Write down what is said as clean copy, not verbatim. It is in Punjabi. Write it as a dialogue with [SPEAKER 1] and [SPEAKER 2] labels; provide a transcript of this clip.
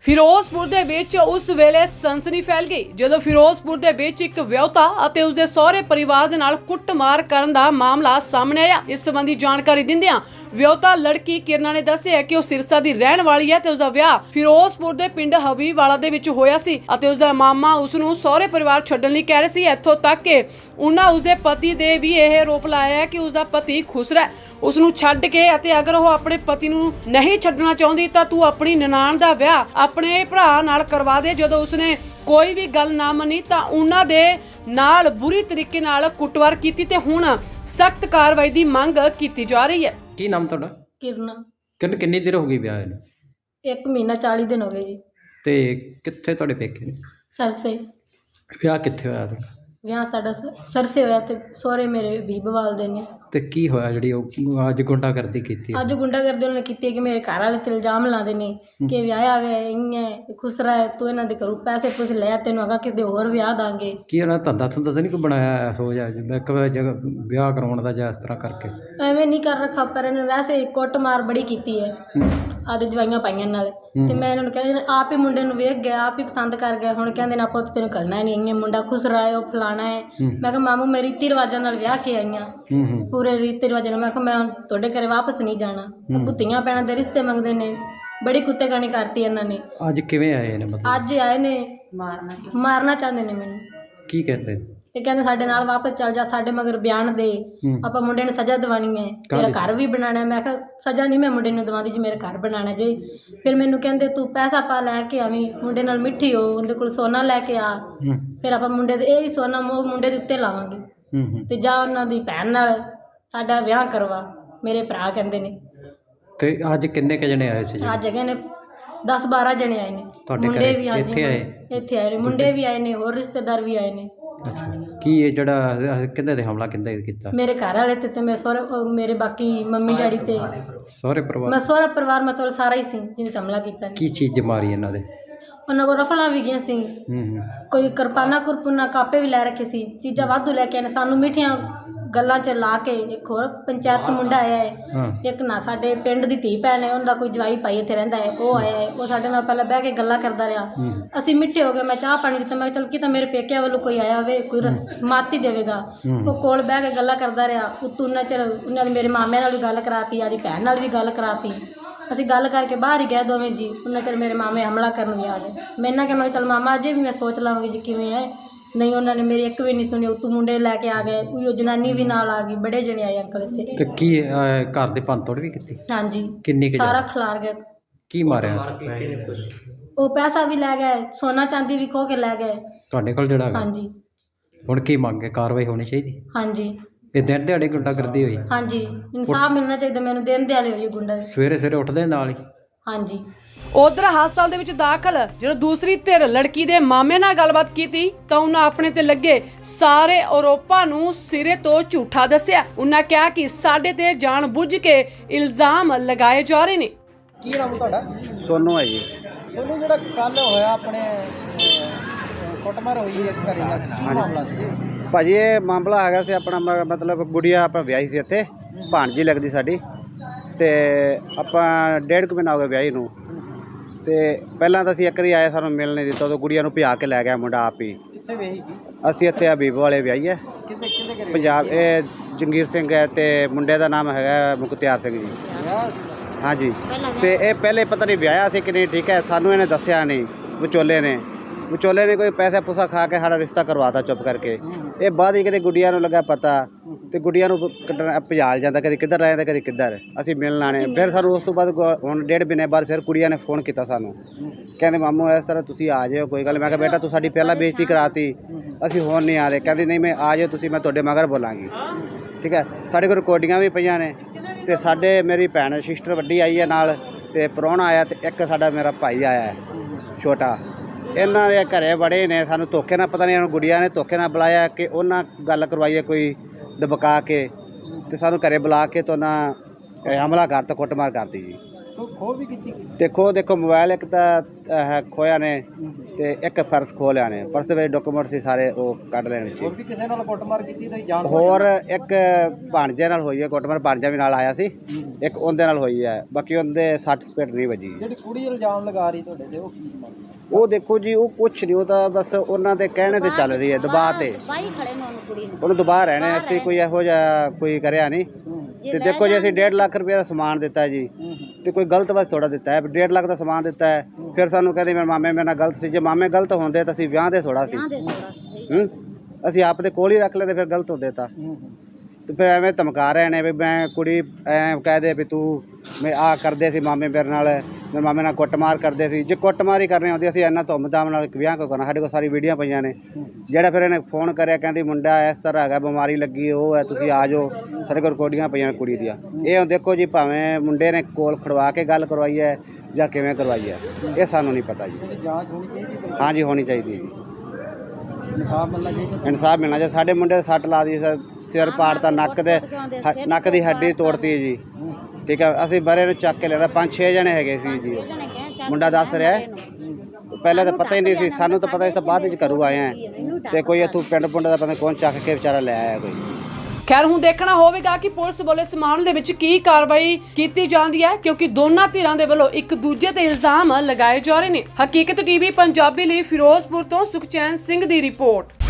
[SPEAKER 1] ਫਿਰੋਜ਼ਪੁਰ ਦੇ ਵਿੱਚ ਉਸ ਵੇਲੇ ਸਨਸਨੀ ਫੈਲ ਗਈ ਜਦੋਂ ਫਿਰੋਜ਼ਪੁਰ ਦੇ ਵਿੱਚ ਇੱਕ ਵਿਆਹੁਤਾ ਅਤੇ ਉਸਦੇ ਸਹੁਰੇ ਪਰਿਵਾਰ ਦੇ ਨਾਲ ਕੁੱਟਮਾਰ ਕਰਨ ਦਾ ਮਾਮਲਾ ਸਾਹਮਣੇ ਆਇਆ। ਇਸ ਸੰਬੰਧੀ ਜਾਣਕਾਰੀ ਦਿੰਦਿਆਂ ਵਿਆਹੁਤਾ ਲੜਕੀ ਕਿਰਨਾ ਨੇ ਦੱਸਿਆ ਕਿ ਉਹ ਸਿਰਸਾ ਦੀ ਰਹਿਣ ਵਾਲੀ ਹੈ ਤੇ ਉਸਦਾ ਵਿਆਹ ਫਿਰੋਜ਼ਪੁਰ ਦੇ ਪਿੰਡ ਹਬੀਬਵਾਲਾ ਦੇ ਵਿੱਚ ਹੋਇਆ ਸੀ ਅਤੇ ਉਸਦਾ ਮਾਮਾ ਉਸ ਨੂੰ ਸਹੁਰੇ ਪਰਿਵਾਰ ਛੱਡਣ ਲਈ ਕਹਿ ਰਹੇ ਸੀ। ਇੱਥੋਂ ਤੱਕ ਕਿ ਉਹਨਾਂ ਉਸਦੇ ਪਤੀ ਦੇ ਵੀ ਇਹ ਆਰੋਪ ਲਾਇਆ ਹੈ ਕਿ ਉਸਦਾ ਪਤੀ ਖੁਸਰਾ ਹੈ, ਉਸ ਨੂੰ ਛੱਡ ਕੇ ਅਤੇ ਅਗਰ ਉਹ ਆਪਣੇ ਪਤੀ ਨੂੰ ਨਹੀਂ ਛੱਡਣਾ ਚਾਹੁੰਦੀ ਤਾਂ ਤੂੰ ਆਪਣੀ ਨਨਾਣ ਦਾ ਵਿਆਹ ਆਪਣੇ ਭਰਾ ਨਾਲ ਕਰਵਾ ਦੇ। ਜਦੋਂ ਉਸਨੇ ਕੋਈ ਵੀ ਗੱਲ ਨਾ ਮੰਨੀ ਤਾਂ ਉਹਨਾਂ ਦੇ ਨਾਲ ਬੁਰੀ ਤਰੀਕੇ ਨਾਲ ਕੁੱਟਮਾਰ ਕੀਤੀ ਤੇ ਹੁਣ ਸਖਤ ਕਾਰਵਾਈ ਦੀ ਮੰਗ ਕੀਤੀ ਜਾ ਰਹੀ ਹੈ।
[SPEAKER 2] ਕੀ ਨਾਮ ਤੁਹਾਡਾ?
[SPEAKER 3] ਕਿਰਨ
[SPEAKER 2] ਕਿੰਨੀ ਦੇਰ ਹੋ ਗਈ ਵਿਆਹ ਨੂੰ?
[SPEAKER 3] 1 ਮਹੀਨਾ 40 ਦਿਨ ਹੋ ਗਏ ਜੀ।
[SPEAKER 2] ਤੇ ਕਿੱਥੇ ਤੁਹਾਡੇ ਪੇਕੇ ਨੇ?
[SPEAKER 3] ਸਰਸੇ
[SPEAKER 2] ਵਿਆਹ ਕਿੱਥੇ ਹੋਇਆ ਤੁਹਾਡਾ?
[SPEAKER 3] ਵਿਆਹ ਸਾਡਾ ਸਰਸੇ ਹੋਇਆ ਤੇ ਸਹੁਰੇ ਮੇਰੇ ਬੀਬਵਾਲ ਦੇ ਨੇ।
[SPEAKER 2] ਤੇ ਕੀ ਹੋਇਆ ਜਿਹੜੀ ਉਹ ਅੱਜ ਗੁੰਡਾਗਰਦੀ ਕੀਤੀ?
[SPEAKER 3] ਅੱਜ ਗੁੰਡਾਗਰਦੀ ਉਹਨਾਂ ਨੇ ਕੀਤੀ ਹੈ ਕਿ ਮੇਰੇ ਘਰ ਵਾਲੇ ਤੇ ਇਲਜ਼ਾਮ ਲਾਉਂਦੇ ਨੇ ਕਿ ਵਿਆਹਿਆ ਵੇ ਇੰਨੇ ਖੁਸਰਾ ਹੈ, ਤੂੰ ਇਹਨਾਂ ਦੇ ਘਰੋਂ ਪੈਸੇ ਪੁੱਛ ਲੈ, ਤੈਨੂੰ ਅਗਾ ਕਿਤੇ ਹੋਰ ਵਿਆਹ ਦਾਂਗੇ।
[SPEAKER 2] ਕੀ ਉਹਨਾਂ ਧੰਦਾ ਤਾਂ ਨਹੀਂ ਕੋਈ ਬਣਾਇਆ ਹੋ ਜਾ ਇੱਕ ਜਗ੍ਹਾ ਵਿਆਹ ਕਰਾਉਣ ਦਾ ਜਾਂ ਇਸ ਤਰ੍ਹਾਂ ਕਰਕੇ?
[SPEAKER 3] ਐਵੇਂ ਨਹੀਂ ਕਰ ਰੱਖਾ, ਪਰ ਇਹਨੇ ਵੈਸੇ ਕੁੱਟਮਾਰ ਬੜੀ ਕੀਤੀ ਹੈ ਆਦੇ ਜਵਾਈਆਂ ਪਾਈਆਂ ਨਾਲ। ਤੇ ਮੈਂ ਇਹਨਾਂ ਨੂੰ ਕਹਿੰਦੀ ਆਪ ਹੀ ਮੁੰਡੇ ਨੂੰ ਵੇਖ ਗਿਆ, ਆਪ ਹੀ ਪਸੰਦ ਕਰ ਗਿਆ। ਹੁਣ ਕਹਿੰਦੇ ਨਾ ਪੁੱਤ ਤੈਨੂੰ ਕਰਨਾ ਨਹੀਂ, ਇੰਨੇ ਮੁੰਡਾ ਖੁਸਰਾ ਹੈ, ਉਹ ਫਲਾਣਾ ਹੈ। ਮੈਂ ਕਿਹਾ ਮਾਮੂ ਮੈਂ ਰੀਤੀ ਰਿਵਾਜਾਂ ਨਾਲ ਵਿਆਹ ਕੇ ਆਈਆਂ, ਪੂਰੇ ਰੀਤੀ ਰਿਵਾਜਾਂ ਨਾਲ। ਮੈਂ ਕਿਹਾ ਮੈਂ ਤੁਹਾਡੇ ਘਰੇ ਵਾਪਸ ਨਹੀਂ ਜਾਣਾ। ਕੁੱਤੀਆਂ ਪੈਣਾ ਦੇ ਰਿਸ਼ਤੇ ਮੰਗਦੇ ਨੇ, ਬੜੀ ਕੁੱਤੇਗਾਨੀ ਕਰਤੀ ਇਹਨਾਂ ਨੇ।
[SPEAKER 2] ਅੱਜ ਕਿਵੇਂ ਆਏ ਨੇ? ਮਤਲਬ
[SPEAKER 3] ਅੱਜ ਆਏ ਨੇ ਮਾਰਨਾ ਚਾਹੁੰਦੇ ਨੇ ਮੈਨੂੰ।
[SPEAKER 2] ਕੀ ਕਹਿੰਦੇ?
[SPEAKER 3] ਇਹ ਕਹਿੰਦੇ ਸਾਡੇ ਨਾਲ ਵਾਪਸ ਚੱਲ ਜਾ, ਸਾਡੇ ਮਗਰ ਬਿਆਨ ਦੇ, ਆਪਾਂ ਮੁੰਡੇ ਨੂੰ ਸਜ਼ਾ ਦਿਵਾਣੀ ਹੈ, ਤੇਰਾ ਘਰ ਵੀ ਬਣਾਉਣਾ। ਮੈਂ ਕਿਹਾ ਸਜ਼ਾ ਨਹੀਂ ਮੈਂ ਮੁੰਡੇ ਨੂੰ ਦਵਾਉਂਦੀ ਜੀ, ਮੇਰਾ ਘਰ ਬਣਾਉਣਾ ਜੇ। ਫਿਰ ਮੈਨੂੰ ਕਹਿੰਦੇ ਤੂੰ ਪੈਸਾ ਪਾ ਲੈ ਕੇ ਆਵੀਂ, ਮੁੰਡੇ ਨਾਲ ਮਿੱਠੀ ਹੋ, ਉਹਦੇ ਕੋਲ ਸੋਨਾ ਲੈ ਕੇ ਆ, ਫਿਰ ਆਪਾਂ ਮੁੰਡੇ ਦੇ ਇਹ ਹੀ ਸੋਨਾ ਮੁੰਡੇ ਦੇ ਉੱਤੇ ਲਾਵਾਂਗੇ ਤੇ ਜਾ ਉਹਨਾਂ ਦੀ ਭੈਣ ਨਾਲ ਸਾਡਾ ਵਿਆਹ ਕਰਵਾ, ਮੇਰੇ ਭਰਾ ਕਹਿੰਦੇ ਨੇ।
[SPEAKER 2] ਤੇ ਅੱਜ ਕਿੰਨੇ ਕ ਜਣੇ ਆਏ ਸੀ?
[SPEAKER 3] ਅੱਜ ਹੈਗੇ ਨੇ 10-12 ਜਣੇ ਆਏ ਨੇ। ਮੁੰਡੇ ਵੀ ਇੱਥੇ ਆਏ ਨੇ, ਮੁੰਡੇ ਵੀ ਆਏ ਨੇ, ਹੋਰ ਰਿਸ਼ਤੇਦਾਰ ਵੀ ਆਏ ਨੇ।
[SPEAKER 2] ਕੀ ਇਹ ਜਿਹੜਾ ਕਿੰਨੇ ਤੇ ਹਮਲਾ ਕਿੰਨੇ ਕੀਤਾ?
[SPEAKER 3] ਮੇਰੇ ਘਰ ਵਾਲੇ ਤੇ ਮੇਰੇ ਸਹੁਰੇ, ਮੇਰੇ ਬਾਕੀ ਮੰਮੀ ਡੈਡੀ ਤੇ
[SPEAKER 2] ਸਹੁਰੇ ਪਰਿਵਾਰ।
[SPEAKER 3] ਮੈਂ ਸਹੁਰਾ ਪਰਿਵਾਰ ਮਤਲਬ ਸਾਰਾ ਹੀ ਸੀ ਜਿਹਨੇ ਹਮਲਾ ਕੀਤਾ।
[SPEAKER 2] ਕੀ ਚੀਜ਼ ਮਾਰੀ ਇਹਨਾਂ ਦੇ?
[SPEAKER 3] ਉਹਨਾਂ ਕੋਲ ਰਫਲਾਂ ਵੀ ਗਈਆਂ ਸੀ, ਕੋਈ ਕਿਰਪਾਨਾ ਕੁਰਪੁਨਾ ਕਾਪੇ ਵੀ ਲੈ ਰੱਖੇ ਸੀ, ਚੀਜ਼ਾਂ ਵਾਧੂ ਲੈ ਕੇ ਆਏ ਨੇ। ਸਾਨੂੰ ਮਿੱਠੀਆਂ ਗੱਲਾਂ 'ਚ ਲਾ ਕੇ ਇੱਕ ਹੋਰ ਪੰਚਾਇਤ ਮੁੰਡਾ ਆਇਆ ਹੈ, ਇੱਕ ਨਾ ਸਾਡੇ ਪਿੰਡ ਦੀ ਧੀ ਭੈਣ ਹੈ, ਉਹਦਾ ਕੋਈ ਜਵਾਈ ਭਾਈ ਇੱਥੇ ਰਹਿੰਦਾ ਹੈ, ਉਹ ਆਇਆ ਹੈ। ਉਹ ਸਾਡੇ ਨਾਲ ਪਹਿਲਾਂ ਬਹਿ ਕੇ ਗੱਲਾਂ ਕਰਦਾ ਰਿਹਾ, ਅਸੀਂ ਮਿੱਠੇ ਹੋ ਗਏ। ਮੈਂ ਚਾਹ ਪਾਣੀ ਦਿੱਤਾ, ਮੈਂ ਕਿਹਾ ਚੱਲ ਕੀ ਤਾਂ ਮੇਰੇ ਪੇਕਿਆਂ ਵੱਲੋਂ ਕੋਈ ਆਇਆ ਹੋਵੇ, ਕੋਈ ਮਾਤੀ ਦੇਵੇਗਾ। ਉਹ ਕੋਲ ਬਹਿ ਕੇ ਗੱਲਾਂ ਕਰਦਾ ਰਿਹਾ। ਉੱਤੋਂ ਉਹਨਾਂ ਚਿਰ ਉਹਨਾਂ ਨੇ ਮੇਰੇ ਮਾਮੇ ਨਾਲ ਵੀ ਗੱਲ ਕਰਾਤੀ, ਆਦੀ ਭੈਣ ਨਾਲ ਵੀ ਗੱਲ ਕਰਾਤੀ। ਅਸੀਂ ਗੱਲ ਕਰਕੇ ਬਾਹਰ ਹੀ ਗਏ ਦੋਵੇਂ ਜੀ। ਉਹਨਾਂ ਚਿਰ ਮੇਰੇ ਮਾਮੇ ਹਮਲਾ ਕਰਨ ਵੀ ਆ ਗਏ। ਮੈਂ ਇਹਨਾਂ ਕਿਹਾ ਮੈਂ ਚੱਲ ਮਾਮਾ ਅਜੇ ਵੀ ਮੈਂ ਸੋਚ ਲਵਾਂਗੀ ਜੀ ਕਿਵੇਂ ਹੈ। ਨਹੀਂ ਉਹਨਾਂ ਨੇ ਮੇਰੀ ਇੱਕ ਵੀ ਨਹੀਂ ਸੁਣੀ। ਉੱਤੋਂ ਮੁੰਡੇ ਲੈ ਕੇ ਆ ਗਏ, ਕੋਈ ਉਹ ਜਨਾਨੀ ਵੀ ਨਾਲ ਆ ਗਈ, ਬੜੇ ਜਣੇ ਆਏ ਅੰਕਲ ਇੱਥੇ।
[SPEAKER 2] ਤੇ ਕੀ ਘਰ ਦੇ ਭੰਨ ਤੋੜ ਵੀ ਕੀਤੀ?
[SPEAKER 3] ਹਾਂਜੀ,
[SPEAKER 2] ਕਿੰਨੀ
[SPEAKER 3] ਸਾਰਾ ਖਿਲਾਰ ਗਿਆ।
[SPEAKER 2] ਕੀ ਮਾਰਿਆ?
[SPEAKER 3] ਉਹ ਪੈਸਾ ਵੀ ਲੈ ਗਏ, ਸੋਨਾ ਚਾਂਦੀ ਵੀ ਖੋਹ ਕੇ ਲੈ ਗਏ
[SPEAKER 2] ਤੁਹਾਡੇ ਕੋਲ ਜਿਹੜਾ?
[SPEAKER 3] ਹਾਂਜੀ।
[SPEAKER 2] ਹੁਣ ਕੀ ਮੰਗੇ? ਕਾਰਵਾਈ ਹੋਣੀ ਚਾਹੀਦੀ?
[SPEAKER 3] ਹਾਂਜੀ।
[SPEAKER 2] ਇਹ ਦਿਨ ਦਿਹਾੜੇ ਗੁੰਡਾਗਰਦੀ ਹੋਈ?
[SPEAKER 3] ਹਾਂਜੀ, ਇਨਸਾਫ ਮਿਲਣਾ ਚਾਹੀਦਾ ਮੈਨੂੰ। ਦਿਨ ਦਿਹਾੜੇ ਹੋਈ ਗੁੰਡਾ।
[SPEAKER 2] ਸਵੇਰੇ ਉੱਠਦੇ ਨਾਲ ਹੀ?
[SPEAKER 3] ਹਾਂਜੀ।
[SPEAKER 1] ਉਧਰ ਹਸਪਤਾਲ ਦੇ ਵਿੱਚ ਦਾਖਲ ਜਦੋਂ ਦੂਸਰੀ ਧਿਰ ਲੜਕੀ ਦੇ ਮਾਮੇ ਨਾਲ ਗੱਲਬਾਤ ਕੀਤੀ ਤਾਂ ਉਹਨਾਂ ਆਪਣੇ ਤੇ ਲੱਗੇ ਸਾਰੇ ਆਰੋਪਾਂ ਨੂੰ ਸਿਰੇ ਤੋਂ ਝੂਠਾ ਦੱਸਿਆ। ਉਹਨਾਂ ਕਿਹਾ ਕਿ ਸਾਡੇ ਤੇ ਜਾਣ ਬੁੱਝ ਕੇ ਇਲਜ਼ਾਮ ਲਗਾਏ ਜਾ ਰਹੇ ਨੇ।
[SPEAKER 2] ਕੀ ਨਾਮ ਤੁਹਾਡਾ?
[SPEAKER 4] ਸੋਨੂੰ ਹੈ ਜੀ।
[SPEAKER 2] ਸੋਨੂੰ, ਜਿਹੜਾ ਕੱਲ ਹੋਇਆ ਆਪਣੇ ਕੁੱਟਮਾਰ ਹੋਈ ਹੈ ਘਰੇ, ਕੀ ਮਾਮਲਾ ਸੀ?
[SPEAKER 4] ਭਾਜੀ ਇਹ ਮਾਮਲਾ ਹੈਗਾ ਸੀ ਆਪਣਾ ਮਤਲਬ ਗੁੜੀਆ ਆਪਾਂ ਵਿਆਹੀ ਸੀ ਇੱਥੇ, ਭਾਣਜੀ ਲੱਗਦੀ ਸਾਡੀ। ਤੇ ਆਪਾਂ 1.5 ਮਹੀਨਾ ਹੋ ਗਿਆ ਵਿਆਹੀ ਨੂੰ। ਤੇ ਪਹਿਲਾਂ ਤਾਂ ਅਸੀਂ ਇੱਕ ਵਾਰੀ ਆਏ, ਸਾਨੂੰ ਮਿਲ ਨਹੀਂ ਦਿੱਤਾ। ਉਦੋਂ ਗੁੜੀਆ ਨੂੰ ਭਜਾ ਕੇ ਲੈ ਗਿਆ ਮੁੰਡਾ ਆਪ ਹੀ।
[SPEAKER 2] ਕਿੱਥੇ ਵਿਆਹੀ ਸੀ?
[SPEAKER 4] ਅਸੀਂ ਇੱਥੇ ਹਬੀਬਵਾਲੇ ਵਿਆਹੀ ਹੈ ਪੰਜਾਬ। ਇਹ ਜੰਗੀਰ ਸਿੰਘ ਹੈ ਤੇ ਮੁੰਡੇ ਦਾ ਨਾਮ ਹੈਗਾ ਮੁਖਤਿਆਰ ਸਿੰਘ ਜੀ। ਹਾਂਜੀ। ਤੇ ਇਹ ਪਹਿਲੇ ਪਤਾ ਨਹੀਂ ਵਿਆਹਿਆ ਸੀ ਕਿ ਨਹੀਂ, ਠੀਕ ਹੈ। ਸਾਨੂੰ ਇਹਨੇ ਦੱਸਿਆ ਨਹੀਂ, ਵਿਚੋਲੇ ਨੇ ਕੋਈ ਪੈਸਾ ਪੂਸਾ ਖਾ ਕੇ ਸਾਡਾ ਰਿਸ਼ਤਾ ਕਰਵਾਤਾ ਚੁੱਪ ਕਰਕੇ। ਇਹ ਬਾਅਦ ਹੀ ਕਿਤੇ ਗੁੱਡੀਆਂ ਨੂੰ ਲੱਗਾ ਪਤਾ ਤੇ ਗੁੱਡੀਆਂ ਨੂੰ ਭਜਾਲ ਜਾਂਦਾ, ਕਦੇ ਕਿੱਧਰ ਰਹਿ ਜਾਂਦਾ ਕਦੇ ਕਿੱਧਰ। ਅਸੀਂ ਮਿਲਣ ਆਣੇ। ਫਿਰ ਸਾਨੂੰ ਉਸ ਤੋਂ ਬਾਅਦ ਹੁਣ 1.5 ਮਹੀਨੇ ਬਾਅਦ ਫਿਰ ਕੁੜੀਆਂ ਨੇ ਫੋਨ ਕੀਤਾ ਸਾਨੂੰ, ਕਹਿੰਦੇ ਮਾਮੂ ਇਸ ਤਰ੍ਹਾਂ ਤੁਸੀਂ ਆ ਜਾਓ, ਕੋਈ ਗੱਲ। ਮੈਂ ਕਿਹਾ ਬੇਟਾ ਤੂੰ ਸਾਡੀ ਪਹਿਲਾਂ ਬੇਇੱਜ਼ਤੀ ਕਰਾਤੀ, ਅਸੀਂ ਹੁਣ ਨਹੀਂ ਆ ਰਹੇ। ਕਹਿੰਦੀ ਨਹੀਂ ਮੈਂ ਆ ਜਾਓ ਤੁਸੀਂ, ਮੈਂ ਤੁਹਾਡੇ ਮਗਰ ਬੋਲਾਂਗੀ, ਠੀਕ ਹੈ। ਸਾਡੇ ਕੋਲ ਰਿਕਾਰਡਿੰਗਾਂ ਵੀ ਪਈਆਂ ਨੇ। ਤੇ ਸਾਡੇ ਮੇਰੀ ਭੈਣ ਸਿਸਟਰ ਵੱਡੀ ਆਈ ਹੈ ਨਾਲ, ਤੇ ਪ੍ਰਾਹੁਣਾ ਆਇਆ, ਤੇ ਇੱਕ ਸਾਡਾ ਮੇਰਾ ਭਾਈ ਆਇਆ ਹੈ ਛੋਟਾ। ਇਹਨਾਂ ਦੇ ਘਰੇ ਬੜੇ ਨੇ, ਸਾਨੂੰ ਧੋਖੇ ਨਾਲ ਪਤਾ ਨਹੀਂ ਉਹਨੂੰ ਗੁੜੀਆਂ ਨੇ ਧੋਖੇ ਨਾਲ ਬੁਲਾਇਆ ਕਿ ਉਹਨਾਂ ਗੱਲ ਕਰਵਾਈਏ ਕੋਈ ਦਬਕਾ ਕੇ, ਤੇ ਸਾਨੂੰ ਘਰੇ ਬੁਲਾ ਕੇ ਤੋਂ ਨਾ ਹਮਲਾ ਕਰਤਾ, ਕੁੱਟਮਾਰ ਕਰਤੀ ਜੀ।
[SPEAKER 2] ਖੋਹ ਵੀ ਕੀਤੀ?
[SPEAKER 4] ਦੇਖੋ ਮੋਬਾਈਲ ਇੱਕ ਤਾਂ ਹੈ ਖੋਇਆ ਨੇ ਤੇ ਇੱਕ ਪਰਸ ਖੋਹ ਲਿਆ ਨੇ। ਪਰਸ ਦੇ ਵਿੱਚ ਡਾਕੂਮੈਂਟ ਸੀ ਸਾਰੇ, ਉਹ ਕੱਢ ਲੈਣ ਵਿੱਚ।
[SPEAKER 2] ਹੋਰ ਵੀ ਕਿਸੇ ਨਾਲ ਕੁੱਟਮਾਰ ਕੀਤੀ ਤੇ ਜਾਣ?
[SPEAKER 4] ਹੋਰ ਇੱਕ ਭਾਣਜੇ ਨਾਲ ਹੋਈ ਹੈ ਕੁੱਟਮਾਰ, ਭਾਣਜਾ ਵੀ ਨਾਲ ਆਇਆ ਸੀ, ਇੱਕ ਉਹਦੇ ਨਾਲ ਹੋਈ ਹੈ। ਬਾਕੀ ਉਹਦੇ 60 ਸਪੇਟ ਨਹੀਂ ਵੱਜੀ।
[SPEAKER 2] ਜਿਹੜੀ ਕੁੜੀ ਇਲਜ਼ਾਮ ਲਗਾ ਰਹੀ ਤੁਹਾਡੇ ਤੇ, ਉਹ ਕੀ ਮੰਗ?
[SPEAKER 4] ਉਹ ਦੇਖੋ ਜੀ, ਉਹ ਕੁਛ ਨਹੀਂ, ਉਹ ਤਾਂ ਬਸ ਉਹਨਾਂ ਦੇ ਕਹਿਣੇ ਤੇ ਚੱਲ ਰਹੀ ਹੈ, ਦਬਾਅ ਤੇ ਉਹਨੂੰ ਦਬਾਅ ਰਹਿਣੇ। ਅਸੀਂ ਕੋਈ ਇਹੋ ਜਿਹਾ ਕੋਈ ਕਰਿਆ ਨਹੀਂ। ਤੇ ਦੇਖੋ ਜੀ, ਅਸੀਂ 1.5 ਲੱਖ ਰੁਪਏ ਦਾ ਸਮਾਨ ਦਿੱਤਾ ਜੀ, ਤੇ ਕੋਈ ਗਲਤ ਬਸ ਥੋੜਾ ਦਿੱਤਾ ਹੈ। 1.5 ਲੱਖ ਦਾ ਸਮਾਨ ਦਿੱਤਾ ਹੈ, ਫਿਰ ਸਾਨੂੰ ਕਹਿੰਦੇ ਮੇਰੇ ਮਾਮੇ ਮੇਰੇ ਨਾਲ ਗਲਤ ਸੀ। ਜੇ ਮਾਮੇ ਗਲਤ ਹੁੰਦੇ ਤਾਂ ਅਸੀਂ ਵਿਆਹ ਦੇ ਥੋੜਾ ਸੀ, ਅਸੀਂ ਆਪ ਦੇ ਕੋਲ ਹੀ ਰੱਖ ਲੈਂਦੇ, ਫਿਰ ਗਲਤ ਹੁੰਦੇ ਤਾਂ। ਤੇ ਫਿਰ ਐਵੇਂ ਧਮਕਾ ਰਹੇ ਨੇ ਵੀ ਮੈਂ ਕੁੜੀ ਐ ਕਹਿ ਦੇ ਵੀ ਤੂੰ ਮੈਂ ਆਹ ਕਰਦੇ ਸੀ ਮਾਮੇ ਮੇਰੇ ਨਾਲ, ਮੇਰੇ ਮਾਮੇ ਨਾਲ ਕੁੱਟਮਾਰ ਕਰਦੇ ਸੀ। ਜੇ ਕੁੱਟਮਾਰ ਹੀ ਕਰਨੀ ਹੁੰਦੀ ਅਸੀਂ ਇੰਨਾ ਧੁੰਮ-ਧਾਮ ਨਾਲ ਵਿਆਹ ਕਿਉਂ ਕਰਨਾ? ਸਾਡੇ ਕੋਲ ਸਾਰੀ ਵੀਡੀਓ ਪਈਆਂ ਨੇ। ਜਿਹੜਾ ਫਿਰ ਇਹਨੇ ਫੋਨ ਕਰਿਆ, ਕਹਿੰਦੀ ਮੁੰਡਾ ਇਸ ਤਰ੍ਹਾਂ ਹੈਗਾ, ਬਿਮਾਰੀ ਲੱਗੀ, ਉਹ ਹੈ, ਤੁਸੀਂ ਆ ਜਾਓ। ਸਾਡੇ ਕੋਲ ਰਿਕਾਰਡਿੰਗਾਂ ਪਈਆਂ ਕੁੜੀ ਦੀਆਂ। ਇਹ ਹੁਣ ਦੇਖੋ ਜੀ, ਭਾਵੇਂ ਮੁੰਡੇ ਨੇ ਕੋਲ ਖੜਵਾ ਕੇ ਗੱਲ ਕਰਵਾਈ ਹੈ ਜਾਂ ਕਿਵੇਂ ਕਰਵਾਈ ਹੈ, ਇਹ ਸਾਨੂੰ ਨਹੀਂ ਪਤਾ ਜੀ।
[SPEAKER 2] ਜਾਂਚ ਹੋਣੀ ਚਾਹੀਦੀ?
[SPEAKER 4] ਹਾਂਜੀ, ਹੋਣੀ ਚਾਹੀਦੀ ਜੀ।
[SPEAKER 2] ਇਨਸਾਫ ਮਿਲਣਾ ਚਾਹੀਦਾ।
[SPEAKER 4] ਇਨਸਾਫ ਮਿਲਣਾ ਚਾਹੀਦਾ। ਸਾਡੇ ਮੁੰਡੇ ਸੱਟ ਲਾ ਦੀ, ਸਿਰ ਪਾੜਤਾ, ਨੱਕ ਦੀ ਹੱਡੀ ਤੋੜਤੀ ਜੀ। ਠੀਕ ਹੈ, ਅਸੀਂ ਬਰੇ ਨੂੰ ਚੱਕ ਕੇ ਲਿਆਂਦਾ। 5-6 ਜਣੇ ਹੈਗੇ ਸੀ ਜੀ, ਮੁੰਡਾ ਦੱਸ ਰਿਹਾ। ਪਹਿਲਾਂ ਤਾਂ ਪਤਾ ਹੀ ਨਹੀਂ ਸੀ ਸਾਨੂੰ, ਤਾਂ ਪਤਾ ਸੀ ਤਾਂ ਬਾਅਦ ਵਿੱਚ ਘਰੋਂ ਆਏ ਆ। ਤੇ ਕੋਈ ਇੱਥੋਂ ਪਿੰਡ ਦਾ ਪਤਾ ਕੌਣ ਚੱਕ ਕੇ ਵਿਚਾਰਾ ਲੈ ਆਇਆ ਕੋਈ।
[SPEAKER 1] ਖੈਰ ਹੁਣ ਦੇਖਣਾ ਹੋਵੇਗਾ ਕਿ ਪੁਲਿਸ ਵੱਲੋਂ ਇਸ ਮਾਮਲੇ ਦੇ ਵਿੱਚ ਕੀ ਕਾਰਵਾਈ ਕੀਤੀ ਜਾਂਦੀ ਹੈ, ਕਿਉਂਕਿ ਦੋਨਾਂ ਧਿਰਾਂ ਦੇ ਵੱਲੋਂ ਇੱਕ ਦੂਜੇ ਤੇ ਇਲਜ਼ਾਮ ਲਗਾਏ ਜਾ ਰਹੇ ਨੇ। ਹਕੀਕਤ ਟੀਵੀ ਪੰਜਾਬੀ ਲਈ ਫਿਰੋਜ਼ਪੁਰ ਤੋਂ ਸੁਖਚੈਨ ਸਿੰਘ ਦੀ ਰਿਪੋਰਟ।